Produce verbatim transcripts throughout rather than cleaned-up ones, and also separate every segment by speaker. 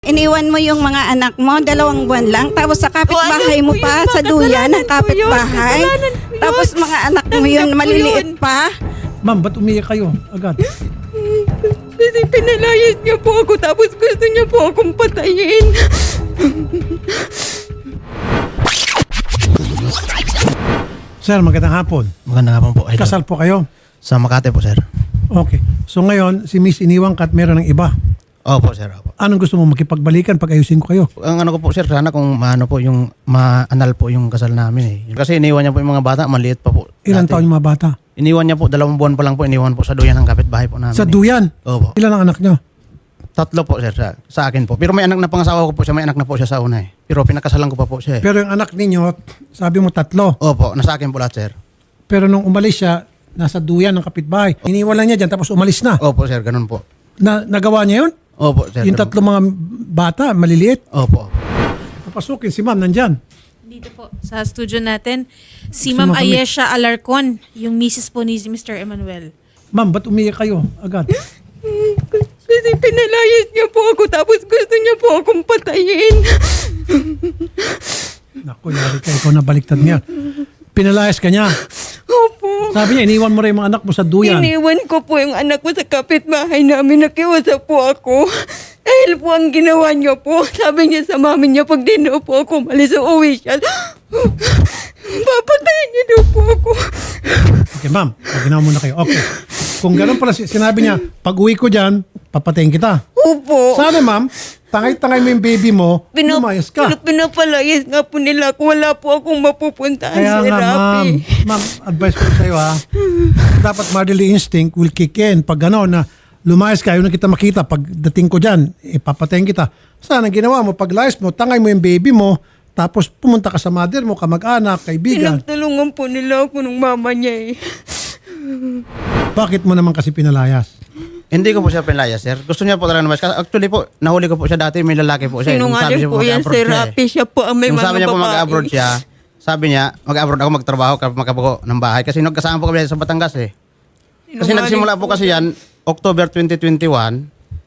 Speaker 1: Iniwan mo yung mga anak mo, dalawang buwan lang, tapos sa kapitbahay mo pa, sa duyan ng kapitbahay. Tapos mga anak mo yun, maliliit pa.
Speaker 2: Ma'am, ba't umiyak kayo agad?
Speaker 3: Kasi pinalayas niya po ako, tapos gusto niya po akong patayin.
Speaker 2: Sir, magandang hapon.
Speaker 4: Magandang hapon po, idol.
Speaker 2: Kasal po kayo?
Speaker 4: Sa Makati po, sir.
Speaker 2: Okay. So ngayon, si Miss iniwan ka at meron ng iba.
Speaker 4: Opo, sir. Opo.
Speaker 2: Anong gusto mo makipagbalikan pag ayusin ko kayo?
Speaker 4: Ang ano ko po, sir, sana kung maano po yung maanal po yung kasal namin eh. Kasi iniwan niya po yung mga bata, maliit pa po.
Speaker 2: Ilan
Speaker 4: dati.
Speaker 2: taon yung mga bata?
Speaker 4: Iniwan niya po, dalawang buwan pa lang po, iniwan po sa duyan ng kapitbahay po namin.
Speaker 2: Sa
Speaker 4: eh.
Speaker 2: duyan?
Speaker 4: Opo.
Speaker 2: Ilan ang anak nyo?
Speaker 4: Tatlo po, sir, sa, sa akin po. Pero may anak na pangasawa ko po siya, may anak na po siya sa una eh. Pero pinakasalan ko pa po siya eh.
Speaker 2: Pero yung anak ninyo, sabi mo tatlo.
Speaker 4: Opo, nasa akin po lahat, sir.
Speaker 2: Pero nung umalis siya, nasa duyan ng kapitbahay. Iniwan lang niya dyan tapos umalis na.
Speaker 4: Opo, sir, ganun po.
Speaker 2: Na, nagawa niya yun?
Speaker 4: Opo, sir.
Speaker 2: Yung
Speaker 4: ganun
Speaker 2: tatlo mga bata, maliliit.
Speaker 4: po. Opo.
Speaker 2: Papasukin si ma'am, nandyan.
Speaker 3: Dito po, sa studio natin, si
Speaker 2: Si
Speaker 3: Ma'am
Speaker 2: Ma'am Kami.
Speaker 3: Ayesha Alarcon, yung misis po ni Mister Emmanuel.
Speaker 2: Ma'am, ba't umiyak kayo agad?
Speaker 3: Kasi pinalayas niya po ako, tapos gusto niya po akong patayin.
Speaker 2: Naku, yari ka, ikaw na baliktad niya. Pinalayas ka niya.
Speaker 3: Opo.
Speaker 2: Sabi niya, iniwan mo rin yung mga anak mo sa duyan.
Speaker 3: Iniwan ko po yung anak ko sa kapitbahay namin. Nakiusap po ako. Dahil po ang ginawa niya po, sabi niya sa mami niya, pag di na po ako malis, uuwi siya. Papatayin niya daw po ako.
Speaker 2: Okay, ma'am. Ginawa muna kayo. Okay. Kung gano'n pala, si- sinabi niya, pag uwi ko dyan, papatayin kita.
Speaker 3: Opo.
Speaker 2: Sana, ma'am, tangay-tangay mo yung baby mo,
Speaker 3: Pinap-
Speaker 2: lumayas ka.
Speaker 3: Pinapalayas nga po nila kung wala po akong mapupuntahan
Speaker 2: Kaya
Speaker 3: sa
Speaker 2: nga, ma'am,
Speaker 3: Rappi.
Speaker 2: ma'am, advice ko sa'yo, ha. Dapat motherly instinct will kick in. Pag gano'n na lumayas ka, yun na kita makita. Pag dating ko dyan, ipapatayin kita. Sana ang ginawa mo, pag layas mo, tangay mo yung baby mo, tapos pumunta ka sa mother mo, kamag-anak, kaibigan.
Speaker 3: Pinagtulungan po nila ako ng mama niya eh.
Speaker 2: Bakit mo naman kasi pinalayas?
Speaker 4: Hindi ko po siya pinlayas, sir. Gusto niya po talaga naman. Kasi actually po, nahuli ko po siya dati, may lalaki po siya. Nung sabi
Speaker 3: Sinungaling
Speaker 4: siya
Speaker 3: po yan
Speaker 4: mag-abroad
Speaker 3: si
Speaker 4: siya, eh.
Speaker 3: Rappi. Siya po ang may
Speaker 4: Nung
Speaker 3: mga
Speaker 4: sabi niya po
Speaker 3: babae.
Speaker 4: mag-abroad siya, sabi niya, mag-abroad ako magtrabaho kapag magkabuko ng bahay. Kasi nagkasama po kami sa Batangas eh. Kasi
Speaker 3: Sinungaling
Speaker 4: nagsimula po kasi yan, October twenty twenty-one,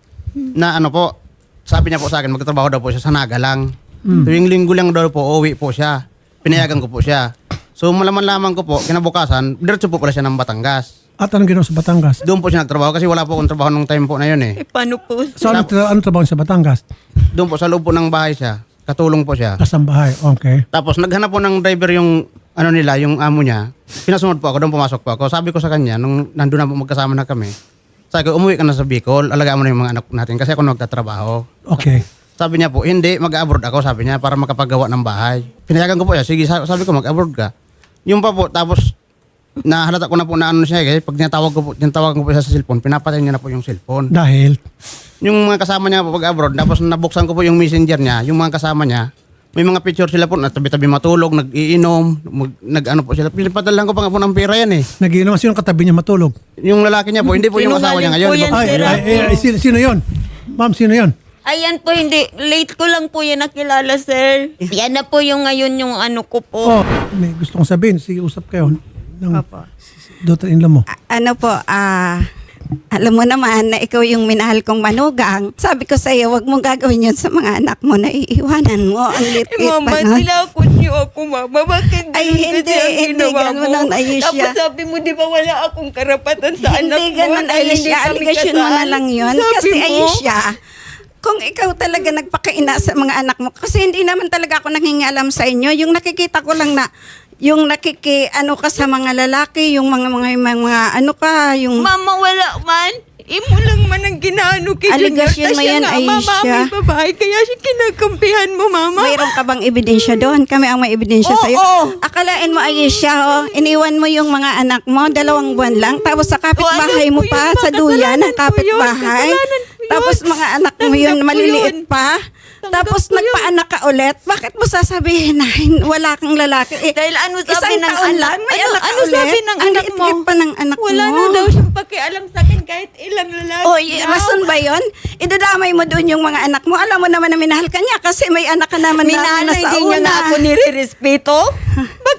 Speaker 4: na ano po, sabi niya po sa akin, magtrabaho daw po siya sa Naga lang. Tuwing linggo lang daw po, uwi po siya. Pinayagan ko po siya. So malaman-laman ko po, kinabukasan, diretso po pala siya ng Batangas.
Speaker 2: At anong ginawa sa Batangas?
Speaker 4: Doon po siya nagtrabaho kasi wala po akong trabaho nung time po na yun eh.
Speaker 3: Eh, paano po?
Speaker 2: So, ano, tra- ano trabaho sa Batangas?
Speaker 4: Doon po sa loob po ng bahay siya. Katulong po siya.
Speaker 2: Kasambahay, okay.
Speaker 4: Tapos naghanap po ng driver yung ano nila, yung amo niya. Pinasunod po ako, doon pumasok po ako. Sabi ko sa kanya, nung nandun na po magkasama na kami, sabi ko, umuwi ka na sa Bicol, alagaan mo na yung mga anak natin kasi ako nagtatrabaho.
Speaker 2: Okay.
Speaker 4: Sabi niya po, hindi, mag-abroad ako, sabi niya, para makapagawa ng bahay. Pinayagan ko po siya, sige, sa- sabi ko, mag-abroad ka. Yung pa po, tapos, nahalata ko na po na ano siya, kasi pag tinatawag ko po, tinatawagan ko po siya sa cellphone, pinapatay niya na po yung cellphone.
Speaker 2: Dahil,
Speaker 4: Yung mga kasama niya po pag-abroad, tapos nabuksan ko po yung messenger niya, yung mga kasama niya, may mga picture sila po, natabi-tabi matulog, nag-iinom, mag, nag-ano po sila. Pinapadalan ko pa nga po ng pera yan eh.
Speaker 2: nagiinom, sino katabi niya matulog?
Speaker 4: Yung lalaki niya po, hindi po yung asawa niya ngayon.
Speaker 3: Sinungaling po
Speaker 2: Ay,
Speaker 3: yan,
Speaker 2: ay,
Speaker 3: sir.
Speaker 2: ay, ay, sino, sino yun? Ma'am, sino yun?
Speaker 3: Ayan po, hindi. Late ko lang po yan nakilala, sir. Yan na po yung ngayon yung ano ko po.
Speaker 2: Oh, may gusto kong sabihin, sige, usap kayo ng daughter-in-law mo.
Speaker 1: A- ano po, ah... alam mo naman na ikaw yung minahal kong manugang. Sabi ko sa'yo, wag mong gagawin yun sa mga anak mo na iiwanan mo. Ang
Speaker 3: Eh,
Speaker 1: lit-lit
Speaker 3: mama,
Speaker 1: pa nun.
Speaker 3: nilakot niyo ako, mama. Bakit
Speaker 1: Ay,
Speaker 3: ganun
Speaker 1: hindi,
Speaker 3: kasi ang
Speaker 1: hindi
Speaker 3: ginawa
Speaker 1: ganun
Speaker 3: mo?
Speaker 1: ang Ayesha.
Speaker 3: Tapos sabi mo, di ba wala akong karapatan sa anak
Speaker 1: Hindi
Speaker 3: mo?
Speaker 1: ganun,
Speaker 3: dahil hindi
Speaker 1: Ayesha.
Speaker 3: kami
Speaker 1: Aligasyon mo na
Speaker 3: kasal?
Speaker 1: lang yun.
Speaker 3: Sabi
Speaker 1: Kasi
Speaker 3: mo,
Speaker 1: Ayesha, kung ikaw talaga nagpakaina sa mga anak mo, kasi hindi naman talaga ako nangingialam sa inyo. Yung nakikita ko lang na, yung nakiki, ano ka sa mga lalaki, yung mga, mga, mga, mga ano ka, yung...
Speaker 3: Mama, wala man. Imo lang man ang ginaano kay Junior.
Speaker 1: Aligasyon
Speaker 3: Tas
Speaker 1: mo
Speaker 3: siya
Speaker 1: yan,
Speaker 3: nga, Mama,
Speaker 1: Ayesha.
Speaker 3: may babae. Kaya siya kinakampihan mo, mama.
Speaker 1: Mayroon ka bang ebidensya doon? Kami ang may ebidensya
Speaker 3: Oo,
Speaker 1: sa'yo.
Speaker 3: oo.
Speaker 1: Akalain mo, Ayesha, oh, iniwan mo yung mga anak mo, dalawang buwan lang, tapos sa kapitbahay
Speaker 3: Kasalanan
Speaker 1: mo
Speaker 3: ko
Speaker 1: pa,
Speaker 3: yun,
Speaker 1: sa
Speaker 3: ma.
Speaker 1: duyan ng
Speaker 3: Kasalanan ko yun.
Speaker 1: kapitbahay.
Speaker 3: Kasalanan ko yun.
Speaker 1: Tapos mga anak mo yun,
Speaker 3: Tanggap ko
Speaker 1: maliliit
Speaker 3: yun.
Speaker 1: pa.
Speaker 3: Tanggap
Speaker 1: Tapos
Speaker 3: ko yun.
Speaker 1: nagpaanak ka ulit. Bakit mo sasabihin na hin- wala kang lalaki? Eh,
Speaker 3: Dahil ano sabi
Speaker 1: isang
Speaker 3: ng
Speaker 1: taon
Speaker 3: anak?
Speaker 1: lang, may
Speaker 3: ano,
Speaker 1: anak ka
Speaker 3: ano
Speaker 1: ulit.
Speaker 3: sabi ng
Speaker 1: Ang
Speaker 3: anak mo?
Speaker 1: liit-liit pa ng anak
Speaker 3: Wala
Speaker 1: mo.
Speaker 3: na daw siyang pakialam sa akin kahit ilang lalaki.
Speaker 1: O, y- rason ba yun? Idadamay mo doon yung mga anak mo. Alam mo naman na minahal ka niya kasi may anak ka naman na
Speaker 3: Minahal na
Speaker 1: nasa
Speaker 3: hindi niya
Speaker 1: una.
Speaker 3: na ako nire-respeto? Ba't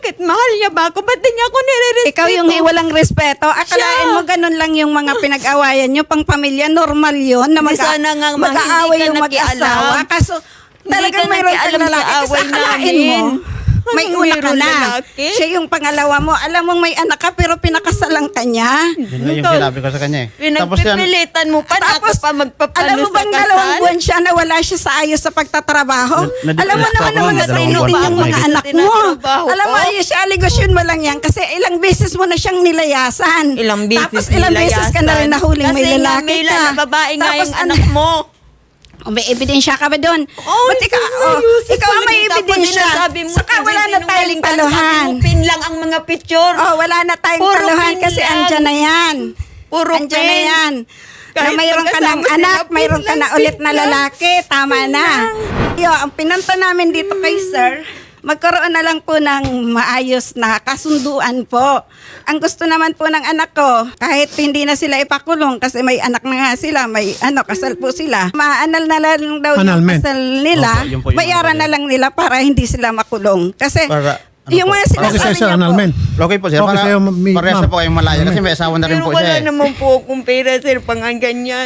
Speaker 3: bakit mahal niya ba ako? Ba't di niya ako nire-respeto?
Speaker 1: Ikaw yung walang respeto. Akalain mo ganun lang yung mga pinag-awayan nyo. Pang pamilya, normal yun. Na
Speaker 3: Di
Speaker 1: mag-
Speaker 3: sana nga, ma,
Speaker 1: mag-aaway
Speaker 3: hindi ka
Speaker 1: yung mag-asawa.
Speaker 3: nakialam.
Speaker 1: Kaso,
Speaker 3: Hindi
Speaker 1: talagang
Speaker 3: ka
Speaker 1: mayroon
Speaker 3: nakialam
Speaker 1: kang
Speaker 3: sa
Speaker 1: lalaki. Kasi
Speaker 3: away
Speaker 1: akalain
Speaker 3: namin.
Speaker 1: mo, may
Speaker 3: Anong
Speaker 1: una ka
Speaker 3: mayroon
Speaker 1: na.
Speaker 3: lalaki?
Speaker 1: Siya yung pangalawa mo. Alam mong may anak ka, pero pinakasalang ka niya.
Speaker 4: Yun nga yung sinabi ko sa kanya eh. Tapos yan,
Speaker 3: Pinagpipilitan mo pa na ako pa magpapalo
Speaker 1: alam mo
Speaker 3: sa
Speaker 1: bang
Speaker 3: kasal?
Speaker 1: dalawang buwan siya na wala siya sa ayos sa pagtatrabaho?
Speaker 4: Na-
Speaker 1: alam mo
Speaker 4: na-depress
Speaker 1: naman
Speaker 4: ako
Speaker 1: ang
Speaker 4: ng
Speaker 1: mga
Speaker 4: dalawang
Speaker 1: sino
Speaker 4: buwan.
Speaker 1: din yung mga
Speaker 3: Bakit
Speaker 1: anak mo.
Speaker 3: tinatrabaho
Speaker 1: Alam mo,
Speaker 3: ko?
Speaker 1: yung si aligasyon mo lang yan kasi ilang beses mo na siyang nilayasan.
Speaker 3: Ilang beses
Speaker 1: Tapos ilang beses ka na rin nahuling may
Speaker 3: Kasi nga,
Speaker 1: lalaki
Speaker 3: may
Speaker 1: ka.
Speaker 3: lala- babae nga
Speaker 1: Tapos
Speaker 3: yung
Speaker 1: ano-
Speaker 3: anak mo.
Speaker 1: O, may ebidensya ka ba doon?
Speaker 3: Oh,
Speaker 1: Ba't ikaw, oh, ikaw ang may ebidensya. Saka wala na tayong taluhan.
Speaker 3: Pin lang ang mga picture.
Speaker 1: Oh, wala na tayong
Speaker 3: Puro
Speaker 1: taluhan
Speaker 3: pin
Speaker 1: kasi
Speaker 3: lang.
Speaker 1: andyan na yan.
Speaker 3: Puro
Speaker 1: andyan na
Speaker 3: pin.
Speaker 1: yan. Na
Speaker 3: Kahit
Speaker 1: mayroon ka ng
Speaker 3: magkasama sila,
Speaker 1: anak,
Speaker 3: pin
Speaker 1: mayroon ka
Speaker 3: lang,
Speaker 1: na
Speaker 3: pin
Speaker 1: ulit na
Speaker 3: lang.
Speaker 1: lalaki. Tama na. Yo, ang pinunta namin dito kay sir, magkaroon na lang po ng maayos na kasunduan po. Ang gusto naman po ng anak ko, kahit hindi na sila ipakulong kasi may anak na nga sila, may ano, kasal po sila. Maanal na lang daw
Speaker 2: Annulment.
Speaker 1: yung kasal nila,
Speaker 4: Opo, yun po yung
Speaker 1: bayaran
Speaker 4: ano
Speaker 1: na lang nila para hindi sila makulong. Kasi
Speaker 4: Para, ano
Speaker 1: yung
Speaker 4: po?
Speaker 1: mga
Speaker 2: Okay
Speaker 1: sinasabi
Speaker 2: sa'yo, sir,
Speaker 1: niya po,
Speaker 2: annulment.
Speaker 4: okay po sir,
Speaker 2: Okay
Speaker 4: para
Speaker 2: sa'yo, mi-
Speaker 4: parehas
Speaker 2: ma'am.
Speaker 4: na po kayong malaya kasi may asawa na rin
Speaker 3: Pero
Speaker 4: po
Speaker 3: wala
Speaker 4: siya eh.
Speaker 3: naman po akong pera, sir, pang ganyan.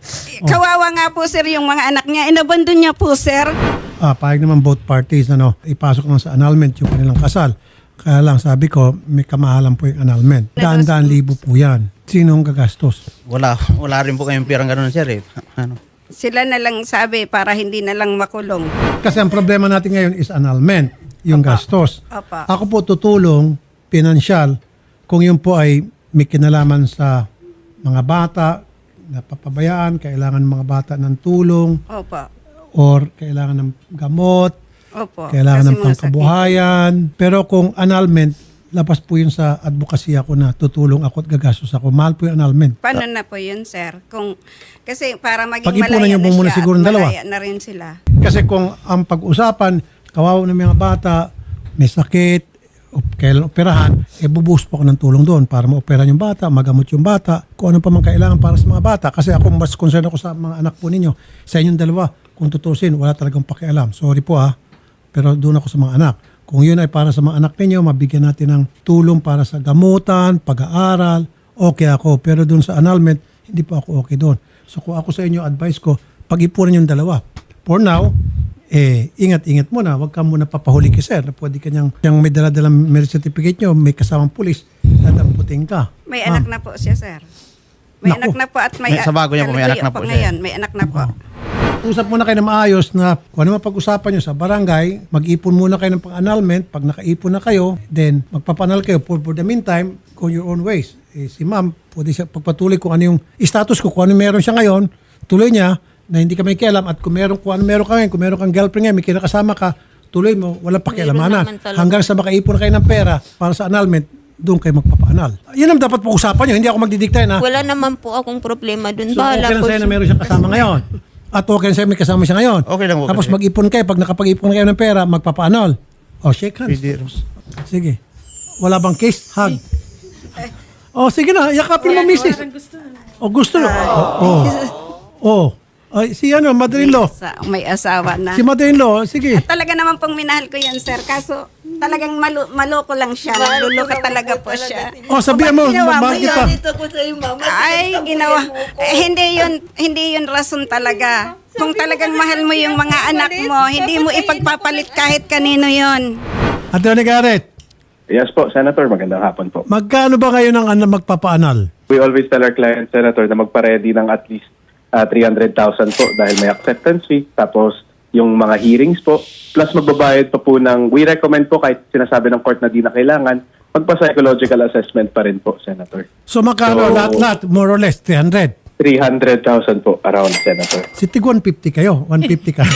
Speaker 1: kawawa nga po sir yung mga anak niya. Inabandon niya po sir.
Speaker 2: Ah, pahig naman both parties, ano, ipasok lang sa annulment yung kanilang kasal. Kaya lang sabi ko, may kamahalan po yung annulment. Daan-daan libo po yan. Sinong gagastos?
Speaker 4: Wala, wala rin po kayong pirang gano'n sir eh. Ano?
Speaker 1: Sila na lang sabi para hindi na lang makulong.
Speaker 2: Kasi ang problema natin ngayon is annulment, yung gastos.
Speaker 1: Apa.
Speaker 2: Ako po tutulong, pinansyal, kung yun po ay may kinalaman sa mga bata, napapabayaan, kailangan ng mga bata ng tulong,
Speaker 1: Opo.
Speaker 2: or kailangan ng gamot,
Speaker 1: Opo.
Speaker 2: kailangan
Speaker 1: Kasi
Speaker 2: ng
Speaker 1: mga
Speaker 2: pangkabuhayan. Pero kung annulment, labas po yun sa advocacy ako na tutulong ako at gagastos ako. Mahal po yung annulment.
Speaker 1: sakit. Paano na po yun, sir? Kung, kasi para maging
Speaker 2: Pag-ipunan
Speaker 1: malaya
Speaker 2: niyo
Speaker 1: na
Speaker 2: po muna
Speaker 1: siya
Speaker 2: siguro
Speaker 1: at
Speaker 2: ng dalawa.
Speaker 1: malaya na rin sila.
Speaker 2: Kasi kung ang pag-usapan, kawawa ng mga bata, may sakit, o kailan operahan, eh bubuhos po ako ng tulong doon para ma-operahan yung bata, magamot yung bata, kung ano pa man kailangan para sa mga bata. Kasi ako mas concerned ako sa mga anak po ninyo. Sa inyong dalawa, kung tutusin, wala talagang pakialam. Sorry po ah, pero doon ako sa mga anak. Kung yun ay para sa mga anak ninyo, mabigyan natin ng tulong para sa gamutan, pag-aaral, okay ako. Pero doon sa annulment, hindi po ako okay doon. So kung ako sa inyo, advice ko, pag-ipunan yung dalawa. For now, eh, ingat-ingat mo na. Huwag ka muna papahuli kay sir. Na pwede kanyang, yung may dala-dalang marriage certificate nyo, may kasamang pulis, dadamputin ka.
Speaker 1: May
Speaker 2: Ma'am,
Speaker 1: anak na po siya, sir. May
Speaker 2: Naku.
Speaker 1: anak na po at may...
Speaker 4: May- sa bago niya po, may anak na po siya.
Speaker 1: Ngayon, may anak na po.
Speaker 2: Usap muna kayo na maayos na kung ano mapag-usapan nyo sa barangay, mag-ipon muna kayo ng pang-annulment. Pag nakaipon na kayo, then magpapanal kayo. For, for the meantime, go your own ways. Eh, si ma'am, pwede siya pagpatuloy kung ano yung status ko, kung ano meron siya ngayon, tuloy niya na hindi ka may kialam at kung meron, kung ano meron ka ngayon, kung meron kang girlfriend ngayon, may kinakasama ka, tuloy mo, walang pakialamanan.
Speaker 3: naman talaga.
Speaker 2: Hanggang sa makaipon na kayo ng pera para sa annulment, doon kayo magpapaanal. Yan ang dapat pag-usapan nyo. Hindi ako magdidikta na
Speaker 3: Wala naman po akong problema dun.
Speaker 2: so,
Speaker 3: Bahala
Speaker 2: okay lang
Speaker 3: po
Speaker 2: sa'yo na
Speaker 3: siya.
Speaker 2: meron siyang kasama ngayon. At okay lang sa'yo may kasama siya ngayon.
Speaker 4: Okay lang po
Speaker 2: Tapos
Speaker 4: kasi.
Speaker 2: mag-ipon kayo. Pag nakapag-ipon kayo ng pera, magpapaanol. O, shake hands.
Speaker 4: Pwede.
Speaker 2: Sige. Wala bang kiss? Hug. O, sige na. Yakapin mo, misis. O, gusto na. O, o. Ay, si ano, mother-in-law.
Speaker 1: Sa, may asawa na.
Speaker 2: Si mother-in-law, sige.
Speaker 1: Talaga naman pong minahal ko yan, sir. Kaso talagang malu maloko lang siya. Maluloko talaga po siya.
Speaker 2: O, sabihan mo,
Speaker 1: Ginawa mo
Speaker 2: mahal kita.
Speaker 3: Dito ko sa iyo, mama.
Speaker 1: Ay, ginawa. Eh, hindi yun, hindi yun rason talaga. Kung talagang mahal mo yung mga anak mo, hindi mo ipagpapalit kahit kanino yun.
Speaker 2: Attorney Garrett,
Speaker 5: Yes po, Senator. Magandang hapon po.
Speaker 2: magkano ba kayo ng ano, magpapaanal?
Speaker 5: We always tell our client, Senator, na magpa-ready ng at least uh, three hundred thousand po dahil may acceptance fee. Tapos yung mga hearings po. Plus magbabayad pa po ng, we recommend po kahit sinasabi ng court na di na kailangan, magpa-psychological assessment pa rin po, Senator.
Speaker 2: So, magkano
Speaker 5: So-
Speaker 2: lahat-lahat? More or less, three hundred.
Speaker 5: three hundred thousand po around, Senator.
Speaker 2: Si Tig one fifty kayo. one fifty ka.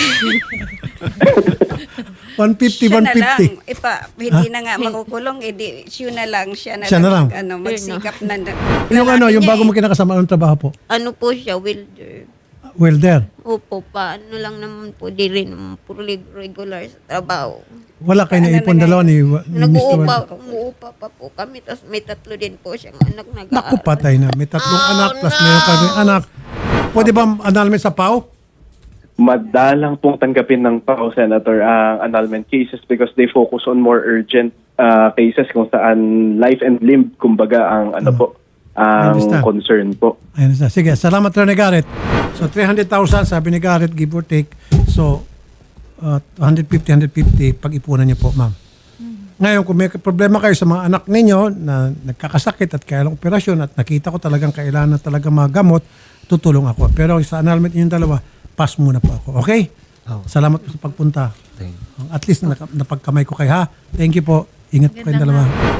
Speaker 2: one fifty,
Speaker 1: Siya
Speaker 2: one
Speaker 1: na lang.
Speaker 2: fifty.
Speaker 1: Ipa, hindi na nga makukulong. Edi, siya na lang. Siya na
Speaker 2: Siya na lang.
Speaker 1: mag- Ano, magsikap na.
Speaker 2: Yung ano, yung bago mo
Speaker 1: mo
Speaker 2: kinakasama, anong trabaho po?
Speaker 3: Ano po siya, welder.
Speaker 2: Welder.
Speaker 3: Opo pa, ano lang naman po, di rin naman po reg- regular sa trabaho.
Speaker 2: Wala kayo na ipon dalawa ni, ni mister
Speaker 3: Nag-uupa,
Speaker 2: Welder.
Speaker 3: umuupa pa po kami, tapos may tatlo din po siyang anak
Speaker 2: Naku,
Speaker 3: nag-aaral.
Speaker 2: patay na. May tatlong anak plus meron kami anak. Pwede ba annulment sa P A O?
Speaker 5: madalang pong tanggapin ng P A O, Senator, ang annulment cases because they focus on more urgent uh, cases kung saan life and limb, kumbaga, ang ano po, ang
Speaker 2: understand.
Speaker 5: concern po.
Speaker 2: Ayun na. Sige, salamat rin ni Garrett. So, three hundred thousand, sabi ni Garrett, give or take. So, uh, one fifty, one fifty, pag-ipunan niyo po, ma'am. Ngayon, kung may problema kayo sa mga anak ninyo na nagkakasakit at kailangang operasyon at nakita ko talagang kailangan na talaga magamot, tutulong ako. Pero sa annulment ninyong dalawa, pass muna po ako. Okay?
Speaker 4: Oh.
Speaker 2: Salamat po sa pagpunta.
Speaker 4: Thank you.
Speaker 2: At least naka- napagkamay ko kayo, ha? Thank you po. Ingat po kayong dalawa.